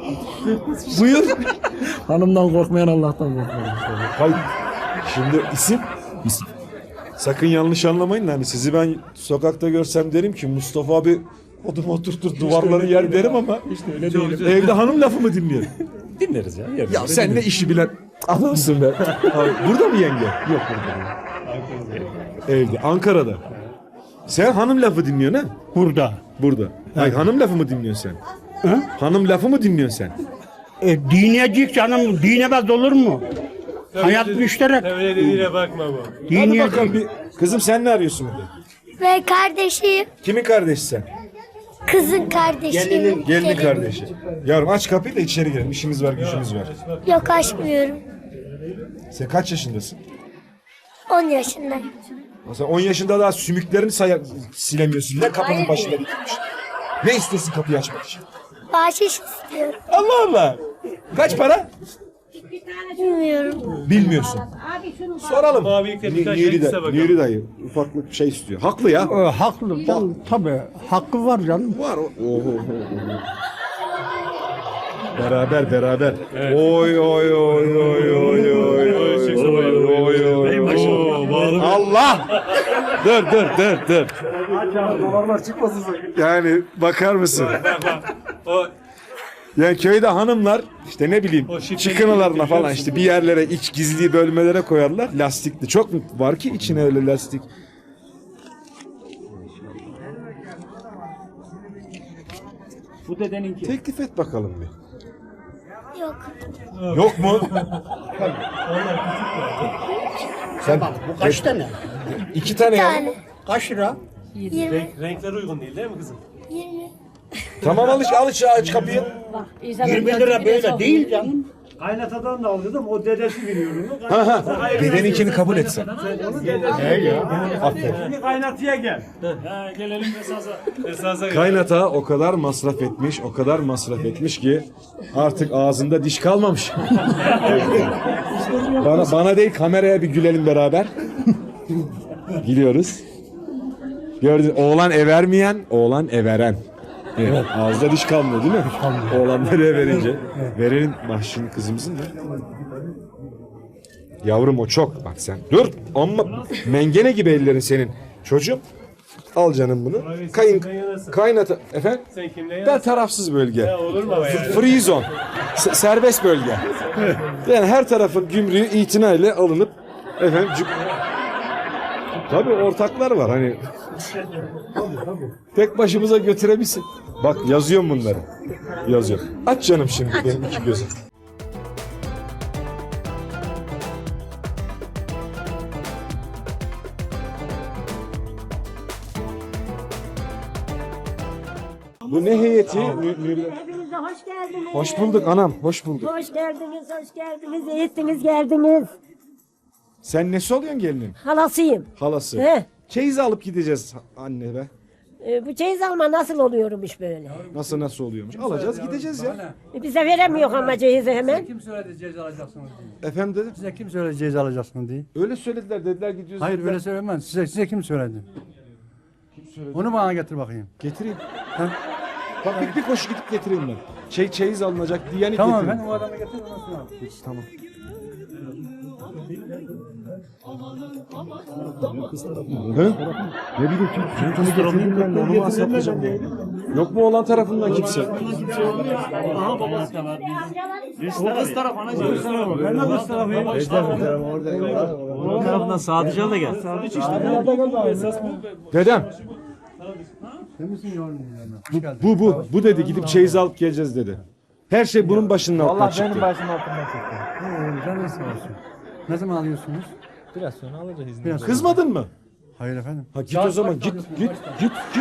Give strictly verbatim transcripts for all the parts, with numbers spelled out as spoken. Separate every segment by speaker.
Speaker 1: Buyur.
Speaker 2: Hanımdan korkmayan Allah'tan korkmayan.
Speaker 1: Hayır. Şimdi isim? İsim. Sakın yanlış anlamayın da hani sizi ben sokakta görsem derim ki Mustafa abi odum oturtur duvarları yer derim ama
Speaker 2: İşte öyle değil.
Speaker 1: evde hanım lafı mı dinliyor?
Speaker 2: Dinleriz ya. yerine
Speaker 1: Ya
Speaker 2: göre
Speaker 1: sen ne
Speaker 2: dinleriz.
Speaker 1: işi bilen adamsın be. Abi, burada mı yenge?
Speaker 2: Yok burada.
Speaker 1: Evde. Ankara'da. Sen hanım lafı dinliyorsun ha?
Speaker 3: Burada.
Speaker 1: Burada. Hayır, hanım lafı mı dinliyorsun sen?
Speaker 3: Hı?
Speaker 1: Hanım lafı mı dinliyorsun sen?
Speaker 3: E, dinleyecek canım, dinemez olur mu? Hayat müşterek.
Speaker 4: Öyle dediğine bakma bu.
Speaker 1: Hadi
Speaker 3: Dinleyecek.
Speaker 1: bakalım bir. Kızım sen ne arıyorsun burada?
Speaker 5: Ve kardeşim,
Speaker 1: Kimin kardeşi sen?
Speaker 5: kızın kardeşi.
Speaker 1: Gelinin kardeşi. Yavrum aç kapıyı da içeri girelim. İşimiz var, gücümüz var.
Speaker 5: Yok açmıyorum.
Speaker 1: Sen kaç yaşındasın?
Speaker 5: on yaşındayım.
Speaker 1: Sen on yaşında daha sümüklerini saya silemiyorsun. Ne kapının başında dikilmiş. Ne istiyorsun kapıyı açmak için?
Speaker 5: Bahşiş istiyorum.
Speaker 1: Allah Allah. Kaç para?
Speaker 5: Bilmiyorum.
Speaker 1: Bilmiyorsun. Soralım.
Speaker 4: Abilikte birkaç şey
Speaker 1: Nuri,
Speaker 4: ise
Speaker 1: da,
Speaker 4: bakalım.
Speaker 1: Nuri dayı ufaklık bir şey istiyor. Haklı ya.
Speaker 3: E, haklı. Tabii, tabii. Hakkı var canım.
Speaker 1: Var o. Oho. Beraber beraber. Oy oy oy oy oy oy oy oy oy. Allah! Dur dur dur dur. Yani bakar mısın?
Speaker 4: O
Speaker 1: Yani köyde hanımlar işte ne bileyim
Speaker 4: O şifreli
Speaker 1: çıkınalarına
Speaker 4: biliyor
Speaker 1: falan
Speaker 4: musun?
Speaker 1: işte bir yerlere iç gizli bölmelere koyarlar lastikli. Çok mu var ki içine öyle lastik?
Speaker 2: Bu dedeninki.
Speaker 1: Teklif et bakalım bir.
Speaker 5: Yok.
Speaker 1: Yok mu? Sen
Speaker 3: Bu kaç tane?
Speaker 1: iki tane ya.
Speaker 5: tane.
Speaker 3: Kaç lira?
Speaker 5: yirmi.
Speaker 4: renk, renkler uygun değil değil mi kızım?
Speaker 5: yirmi.
Speaker 1: Tamam alış alış aç kapıyı.
Speaker 3: yirmi lira böyle değil canım.
Speaker 6: Kaynatadan da aldım. O dedesi biliyor onu.
Speaker 1: Ha ha. Dedeninkini kabul etsen.
Speaker 6: Şimdi kaynatıya gel.
Speaker 4: Ha, gelelim esasa. Esasa
Speaker 1: Kaynata o kadar masraf etmiş, o kadar masraf etmiş ki artık ağzında diş kalmamış. bana bana değil kameraya bir gülelim beraber. Gülüyoruz. Gördün oğlan evermeyen, oğlan everen. Evet. Ağızda diş kalmıyor değil mi? Oğlanları everince. Verelim bahşişini kızımızın da. Yavrum o çok. Bak sen dur. Amma mengene gibi ellerin senin. Çocuğum. Al canım bunu. Kayın, kaynata. Efendim?
Speaker 4: Sen kimle
Speaker 1: Ben
Speaker 4: yansın?
Speaker 1: tarafsız bölge.
Speaker 4: Ya olur mu ama yani?
Speaker 1: Free zone. S- serbest bölge. Yani her tarafın gümrüğü itinayla alınıp efendim cuk- tabii ortaklar var hani tek başımıza götürebilsin. Bak yazıyorum bunları. Yazıyorum. Aç canım şimdi benim iki gözüm. Bu ne heyeti? Nü- Nü-
Speaker 7: Hepinize hoş geldiniz.
Speaker 1: Hoş bulduk anam, hoş bulduk.
Speaker 7: Hoş geldiniz, hoş geldiniz. İyi ettiniz, geldiniz.
Speaker 1: Sen nesi oluyorsun gelinin?
Speaker 7: Halasıyım.
Speaker 1: Halası.
Speaker 7: He.
Speaker 1: Çeyiz alıp gideceğiz anne be.
Speaker 7: Ee, bu çeyiz alma nasıl oluyormuş böyle?
Speaker 1: Nasıl nasıl oluyormuş? Alacağız gideceğiz ya.
Speaker 7: E, bize veremiyor ama ceyizi hemen.
Speaker 6: Kim söyledi ceza alacaksınız diye?
Speaker 1: Efendim dedim.
Speaker 6: Size kim söyledi ceza alacaksınız diye?
Speaker 1: Öyle söylediler dediler gidiyoruz.
Speaker 6: Hayır
Speaker 1: dediler.
Speaker 6: öyle söylemem. Size, size kim söyledi? Onu bana getir bakayım.
Speaker 1: Getireyim. Bak bir, bir koşu gidip getireyim ben. Şey çeyiz alınacak diyeni
Speaker 6: Tamam
Speaker 1: getireyim.
Speaker 6: ben o adamı getir ondan sonra.
Speaker 1: Tamam. Hı? Ne bileyim kim? Kim kimi getirdim ben de onu mu hesaplayacağım ya? Yok mu olan tarafından kimse?
Speaker 2: Tarafından Sadıcı da gel.
Speaker 1: Dedem.
Speaker 6: Sen misin yavrum?
Speaker 1: Bu bu bu dedi gidip çeyiz alıp geleceğiz dedi. Her şey bunun başının altından çıktı.
Speaker 2: başım altından çıktı.
Speaker 6: Canın sağ olsun. Ne zaman alıyorsunuz?
Speaker 2: Biraz sonra alacağız izni.
Speaker 6: Biraz
Speaker 1: Kızmadın mı?
Speaker 6: Hayır efendim.
Speaker 1: Ha git o zaman git git git git git.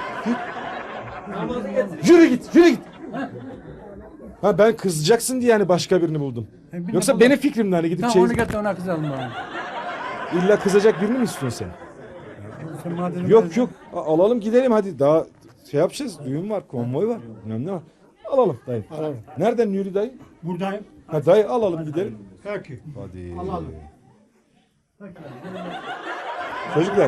Speaker 1: Yürü git yürü git. Ha ben kızacaksın diye yani başka birini buldum. Yoksa benim fikrimden hani gidip
Speaker 6: Tamam
Speaker 1: çeyiz...
Speaker 6: onu getir ona kızalım bana.
Speaker 1: İlla kızacak birini mi istiyorsun sen?
Speaker 6: Sen madem
Speaker 1: Yok yok A- alalım gidelim hadi daha şey yapacağız düğün var konvoy var bilmem ne var. Alalım dayı. Alalım. Nereden Nuri dayı?
Speaker 6: buradayım.
Speaker 1: Ha dayı alalım gidelim.
Speaker 6: Peki.
Speaker 1: Hadi.
Speaker 6: Alalım.
Speaker 1: Çocuklar.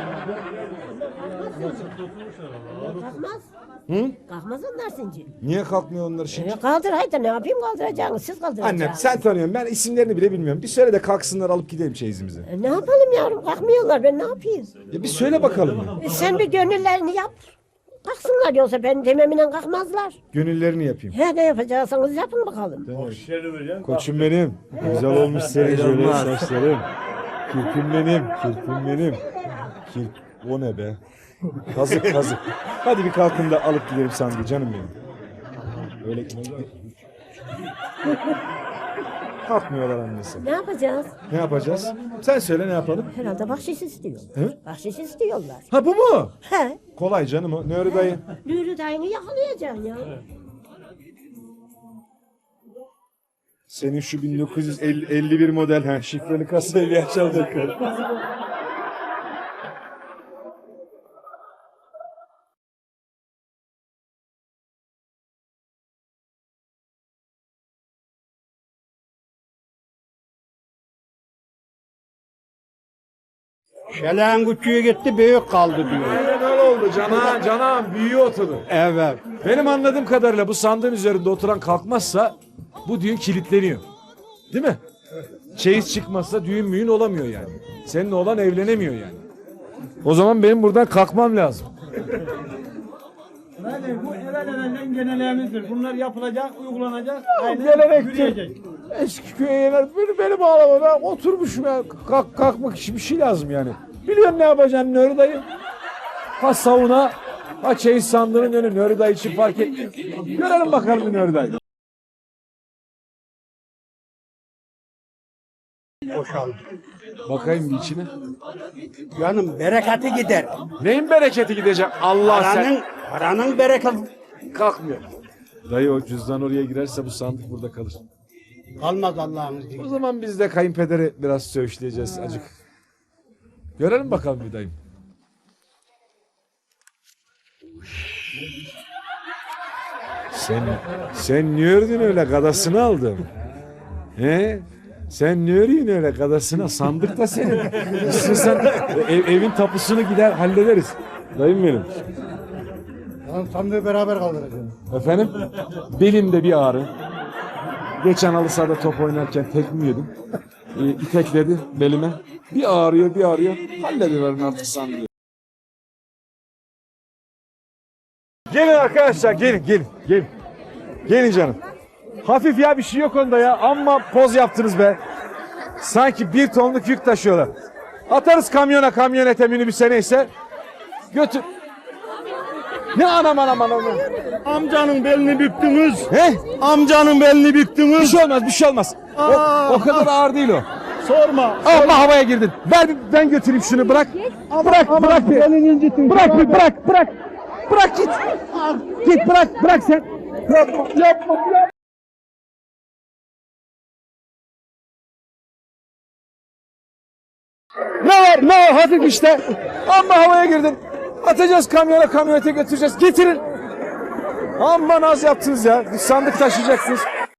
Speaker 7: Kalkmaz.
Speaker 1: Hı?
Speaker 7: Kalkmaz onlar şimdi.
Speaker 1: Niye kalkmıyor onlar şimdi?
Speaker 7: E, kaldır haydi ne yapayım kaldıracaksınız siz kaldıracaksınız.
Speaker 1: Annem sen tanıyorsun. Ben isimlerini bile bilmiyorum. Bir söyle de kalksınlar alıp gidelim çeyizimizi.
Speaker 7: E, ne yapalım yavrum kalkmıyorlar ben ne yapayım?
Speaker 1: Ya bir söyle bakalım.
Speaker 7: E, sen bir gönüllerini yap. Kalksınlar yoksa ben dememle kalkmazlar.
Speaker 1: Gönüllerini yapayım.
Speaker 7: He ne yapacaksanız yapın bakalım.
Speaker 1: Koçum benim. Güzel olmuş senin şöyle saçların. Kirpim benim. Kirpim benim. Kirp. O ne be? Kazık kazık. Hadi bir kalkın da alıp gidelim sandığı canım benim. Öyle kalkmıyorlar annesi.
Speaker 7: Ne yapacağız?
Speaker 1: Ne yapacağız? Sen söyle ne yapalım?
Speaker 7: Herhalde bahşiş istiyor.
Speaker 1: He?
Speaker 7: Bahşiş istiyorlar.
Speaker 1: Ha bu mu?
Speaker 7: He.
Speaker 1: Kolay canım o. Nuri dayı.
Speaker 7: Nuri dayını yakalayacaksın ya.
Speaker 1: Senin şu bin dokuz yüz elli bir model ha şifreli kasayı bir açalım bakalım.
Speaker 3: Şelen küçüğü gitti büyük kaldı diyor.
Speaker 1: Aynen öyle oldu cana, canağım büyüğü oturdu.
Speaker 3: Evet.
Speaker 1: Benim anladığım kadarıyla bu sandığın üzerinde oturan kalkmazsa bu düğün kilitleniyor. Değil mi? Çeyiz çıkmazsa düğün müğün olamıyor yani. Senin oğlan evlenemiyor yani. O zaman benim buradan kalkmam lazım.
Speaker 8: Yani bu evvel evvelden genellerimizdir. Bunlar yapılacak, uygulanacak, aynen
Speaker 1: Gelenektir.
Speaker 8: yürüyecek.
Speaker 1: Eski köye yener. Beni, beni bağlama ben oturmuşum ya. Kalk, kalkmak için bir şey lazım yani. Biliyorsun ne yapacaksın Nuri dayı? Ha sauna, ha çeyiz sandığının önü Nuri dayı için fark etmiyor. Görelim bakalım bir Nuri dayı.
Speaker 3: Boşaldı.
Speaker 1: Bakayım bir içine.
Speaker 3: Canım bereketi gider.
Speaker 1: Neyin bereketi gidecek? Allah
Speaker 3: Paranın,
Speaker 1: sen.
Speaker 3: paranın bereketi
Speaker 1: Kalkmıyor. Dayı o cüzdan oraya girerse bu sandık burada kalır.
Speaker 3: kalmaz Allah'ın
Speaker 1: O
Speaker 3: izniyle.
Speaker 1: zaman biz de kayınpederi biraz söğüşleyeceğiz acık. Görelim bakalım bir dayım. Sen sen ne ördün öyle gadasını aldın? He? Sen ne örüyorsun öyle gadasına? Sandık da senin. İstiyorsan ev, evin tapusunu gider hallederiz. Dayım benim.
Speaker 6: Sandığı beraber kaldıracağım.
Speaker 1: Efendim? Belimde bir ağrı. Geçen halı sahada top oynarken tekme yedim. E, itekledi belime. Bir ağrıyor bir ağrıyor. Hallediverin artık sandığı. Gelin arkadaşlar gelin gelin gelin. Gelin canım. Hafif ya bir şey yok onda ya. Amma poz yaptınız be. Sanki bir tonluk yük taşıyorlar. Atarız kamyona kamyonete minibüse neyse. Götür. Ne anam anam anam.
Speaker 3: Amcanın belini büktünüz.
Speaker 1: He?
Speaker 3: Amcanın belini
Speaker 1: Bir
Speaker 3: büktünüz.
Speaker 1: şey olmaz bir şey olmaz. O, o kadar ağır değil o.
Speaker 3: Sorma.
Speaker 1: Ama havaya girdin. Ver ben götüreyim şunu bırak. Bırak bırak bir. Bırak bir bırak bırak. Bırak git. Git bırak bırak sen. Yapma yapma. Ne var ne var hafif işte. Amma havaya girdin. Atacağız kamyona kamyonete götüreceğiz. Getirin. Amma naz yaptınız ya. Bir sandık taşıyacaksınız.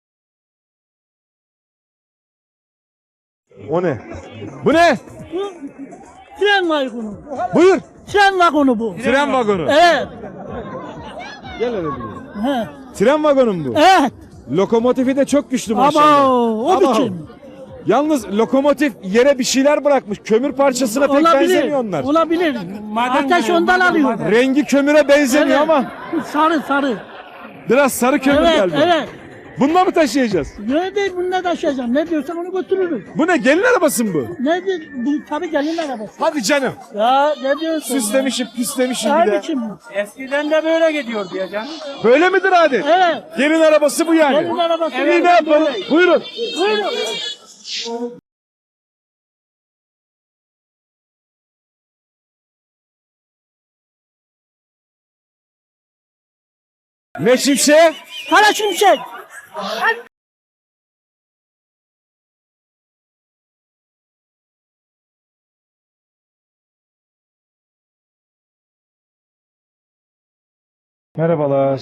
Speaker 1: O ne? Bu ne?
Speaker 8: Tren vagonu.
Speaker 1: Buyur.
Speaker 8: Tren vagonu bu.
Speaker 1: Tren vagonu.
Speaker 8: Evet.
Speaker 1: Gel hele bir.
Speaker 8: He.
Speaker 1: Tren vagonu mu bu?
Speaker 8: Evet.
Speaker 1: Lokomotifi de çok güçlü
Speaker 8: Ama
Speaker 1: maşallah.
Speaker 8: o
Speaker 1: Ama
Speaker 8: biçim.
Speaker 1: Yalnız lokomotif yere bir şeyler bırakmış. Kömür parçasına pek
Speaker 8: Olabilir.
Speaker 1: benzemiyor onlar.
Speaker 8: Olabilir. Ateş ondan alıyor.
Speaker 1: Rengi kömüre benzemiyor
Speaker 8: Evet.
Speaker 1: ama
Speaker 8: Sarı sarı.
Speaker 1: biraz sarı kömür
Speaker 8: Evet
Speaker 1: geldi.
Speaker 8: evet.
Speaker 1: Bununla mı taşıyacağız?
Speaker 8: Ne değil bunu ne taşıyacağım. Ne diyorsan onu götürürüz.
Speaker 1: Bu ne? Gelin arabası mı bu?
Speaker 8: Ne değil bu tabii gelin arabası.
Speaker 1: Hadi canım.
Speaker 8: Ya ne diyorsun?
Speaker 1: Süslemişim, püslemişim bir
Speaker 8: Ne
Speaker 1: de.
Speaker 8: biçim bu?
Speaker 3: Eskiden de böyle gidiyordu ya canım.
Speaker 1: Böyle midir adet?
Speaker 8: Evet.
Speaker 1: Gelin arabası bu yani.
Speaker 8: Gelin arabası.
Speaker 1: İyi ne yapalım? Buyurun.
Speaker 8: Buyurun.
Speaker 1: Ne şimşek?
Speaker 8: Kara şimşek.
Speaker 1: Merhabalar.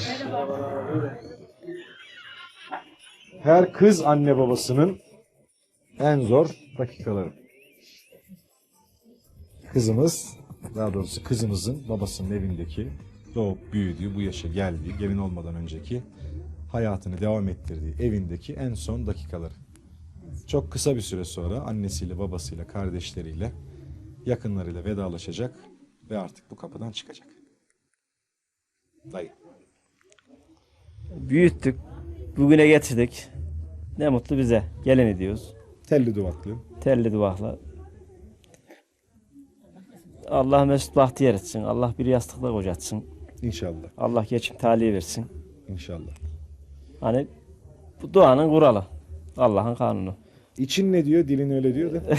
Speaker 1: Her kız anne babasının en zor dakikaları. kızımız, daha doğrusu kızımızın babasının evindeki doğup büyüdüğü, bu yaşa geldiği, gelin olmadan önceki hayatını devam ettirdiği evindeki en son dakikaları. Çok kısa bir süre sonra annesiyle, babasıyla, kardeşleriyle, yakınlarıyla vedalaşacak ve artık bu kapıdan çıkacak. Dayı.
Speaker 2: Büyüttük. Bugüne getirdik. Ne mutlu bize. Gelin ediyoruz.
Speaker 1: Telli duvaklı.
Speaker 2: Telli duvakla. Allah mesut bahtiyar etsin. Allah bir yastıkla kocatsın.
Speaker 1: İnşallah.
Speaker 2: Allah geçim talihi versin.
Speaker 1: İnşallah.
Speaker 2: Hani bu duanın kuralı. Allah'ın kanunu.
Speaker 1: İçin ne diyor? Dilin öyle diyor da.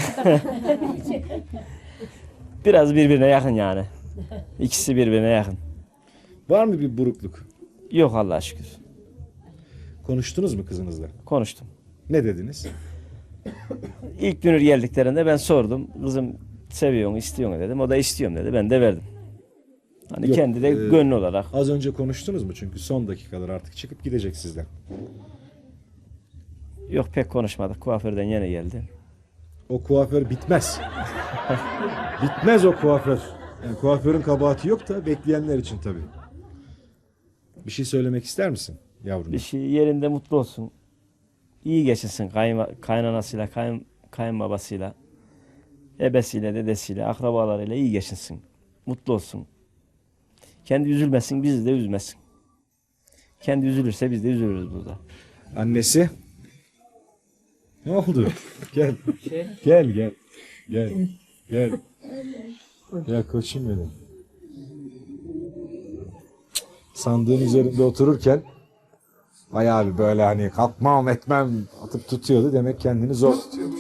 Speaker 2: Biraz birbirine yakın yani. İkisi birbirine yakın.
Speaker 1: Var mı bir burukluk?
Speaker 2: Yok Allah'a şükür.
Speaker 1: Konuştunuz mu kızınızla?
Speaker 2: Konuştum.
Speaker 1: Ne dediniz?
Speaker 2: İlk dünür geldiklerinde ben sordum. Kızım seviyor mu, istiyor mu dedim. O da istiyorum dedi. Ben de verdim. Hani
Speaker 1: Yok,
Speaker 2: kendi de
Speaker 1: e,
Speaker 2: gönlü olarak.
Speaker 1: Az önce konuştunuz mu? Çünkü son dakikalar artık çıkıp gidecek sizden.
Speaker 2: Yok pek konuşmadık. Kuaförden yine geldi.
Speaker 1: O kuaför bitmez. Bitmez o kuaför. Yani kuaförün kabahati yok da bekleyenler için tabii. Bir şey söylemek ister misin yavrum?
Speaker 2: Bir şey yerinde mutlu olsun. İyi geçinsin kayınma, kaynanasıyla, kayın, kayınbabasıyla, ebesiyle, dedesiyle, akrabalarıyla iyi geçinsin. Mutlu olsun. Kendi üzülmesin, bizi de üzmesin. Kendi üzülürse biz de üzülürüz burada.
Speaker 1: Annesi? Ne oldu? Gel. Gel gel. Gel. Gel. Ya koçum benim. Sandığın üzerinde otururken bayağı bir böyle hani kalkmam etmem atıp tutuyordu. Demek kendini zor tutuyormuş.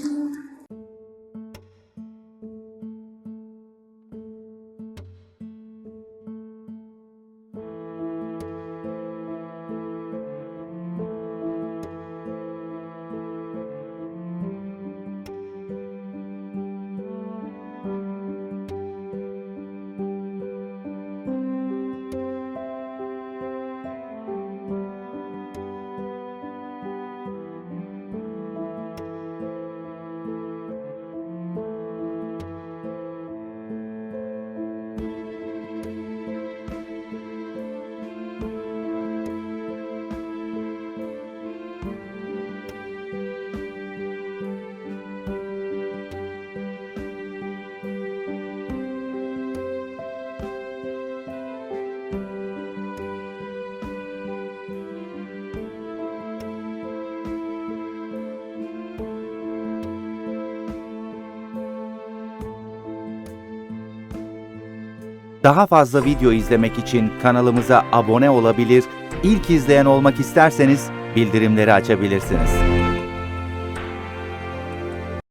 Speaker 9: Daha fazla video izlemek için kanalımıza abone olabilir, ilk izleyen olmak isterseniz bildirimleri açabilirsiniz.